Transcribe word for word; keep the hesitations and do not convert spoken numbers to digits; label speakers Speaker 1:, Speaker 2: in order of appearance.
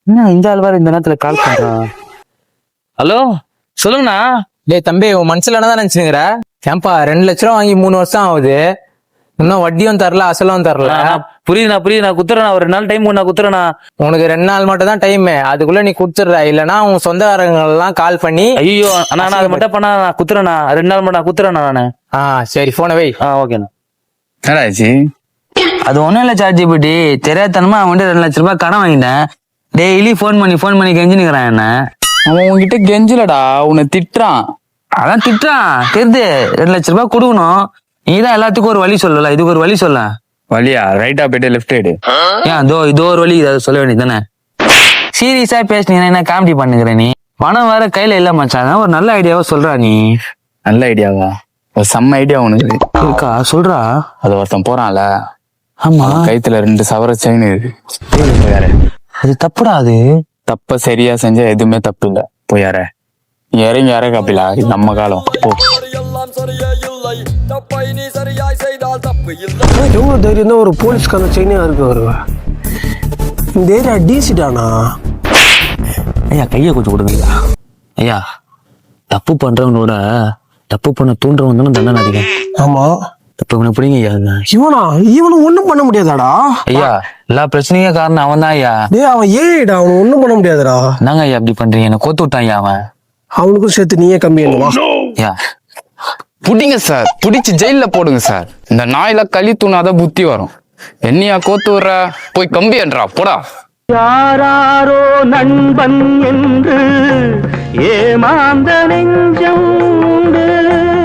Speaker 1: என்ன இந்த ஆள் வேற இந்த நேரத்துல கால் பண்றான்? ஹலோ, சொல்லுங்கண்ணா.
Speaker 2: டேய் தம்பி, உன் மனசுல என்னதான் நினைச்சுங்கிற? ஏன்பா ரெண்டு லட்ச ரூபா வாங்கி மூணு வருஷம் ஆகுது, இன்னும் வட்டியும் தரல அசலும் தரல.
Speaker 1: புரியுதுண்ணா புரியுது, நான் குத்துறேண்ணா. ஒரு ரெண்டு நாள் டைம் நான் குத்துறேண்ணா.
Speaker 2: உனக்கு ரெண்டு நாள் மட்டும் தான் டைம், அதுக்குள்ள நீ குடுத்துடுற. இல்லன்னா உன் சொந்தக்காரங்க எல்லாம் கால் பண்ணி
Speaker 1: ஐயோ அண்ணா அது மட்டும் பண்ணா நான் குத்துறேண்ணா. ரெண்டு நாள் மட்டும் நான் குத்துறேண்ணா நானு.
Speaker 2: ஆ சரி, போன வை.
Speaker 1: ஆ ஓகேண்ணா.
Speaker 3: என்னடாச்சு?
Speaker 1: அது ஒண்ணும் இல்ல சார்ஜி பிடி, தெரியாதனமா அவன்கிட்ட ரெண்டு லட்ச ரூபாய் கடன் வாங்கிட்டேன். டெய்லி போன் பண்ணி போன் பண்ணி கெஞ்சி நிக்கிறான் என்ன.
Speaker 3: அவன் உன்கிட்ட கெஞ்சலடா, உன்னை திட்டுறான்.
Speaker 1: அதான் திட்டுறான் தெரியுது. ரெண்டு லட்ச ரூபாய் கொடுக்கணும். நீதான் எல்லாத்துக்கும் ஒரு வழி சொல்லல, இதுக்கு ஒரு வழி சொல்ல.
Speaker 3: வழியா? ரைட்டா போயிட்டு லெஃப்ட் எடு.
Speaker 1: ஏன் இதோ இதோ ஒரு வழி, இதை சொல்ல வேண்டியது தானே. சீரியஸா பேசுனீங்கன்னா என்ன காமெடி பண்ணுகிற நீ? பணம் வேற கையில இல்ல மச்சான், ஒரு நல்ல ஐடியாவா சொல்றா நீ.
Speaker 3: நல்ல ஐடியாவா? ஒரு செம்ம ஐடியா உனக்கு
Speaker 1: இருக்கா? சொல்றா.
Speaker 3: அது ஒருத்தன் போறான்ல,
Speaker 1: ஆமா,
Speaker 3: கைத்துல ரெண்டு சவர செயின் இருக்கு. யாரு?
Speaker 1: அது தப்புடா. அது
Speaker 3: தப்ப சரியா செஞ்சா எதுவுமே தப்பு இல்ல. போயார இறங்கி யார காப்பிலா, நம்ம காலம் போ.
Speaker 4: எவ்வளவு தைரியம் தான் ஒரு போலீஸ்கான செயினே இருக்கு வருவா. இந்த ஏரியா டீசிட்டானா?
Speaker 1: ஐயா கையை கொஞ்சம் கொடுங்க ஐயா. தப்பு பண்றவனோட தப்பு பண்ண தூண்டுறவன் தானே தண்டனை அதிகம்.
Speaker 4: ஆமா,
Speaker 1: தப்பு இவனை பிடிங்க ஐயா.
Speaker 4: இவனா? இவனு ஒண்ணும் பண்ண முடியாதாடா
Speaker 1: ஐயா. எல்லா பிரச்சனையும் காரணம் அவன் தான் ஐயா.
Speaker 4: டேய் அவன் ஏடா, அவன் ஒண்ணும் பண்ண முடியாதுடா.
Speaker 1: என்னங்க ஐயா அப்படி பண்றீங்க? என்ன கோத்து விட்டான் ஐயா அவன்.
Speaker 4: அவனுக்கும் சேர்த்து நீயே கம்மி என்னவா?
Speaker 1: ஐயா
Speaker 3: புடிங்க சார், புடிச்சு ஜெயில போடுங்க சார். இந்த நாயில களி தூணாதான் புத்தி வரும். என்னையா கோத்து விடுற? போய் கம்பி என்றா போடா.
Speaker 5: யாராரோ நண்பன் என்று ஏமாந்த நெஞ்சம் உண்டு.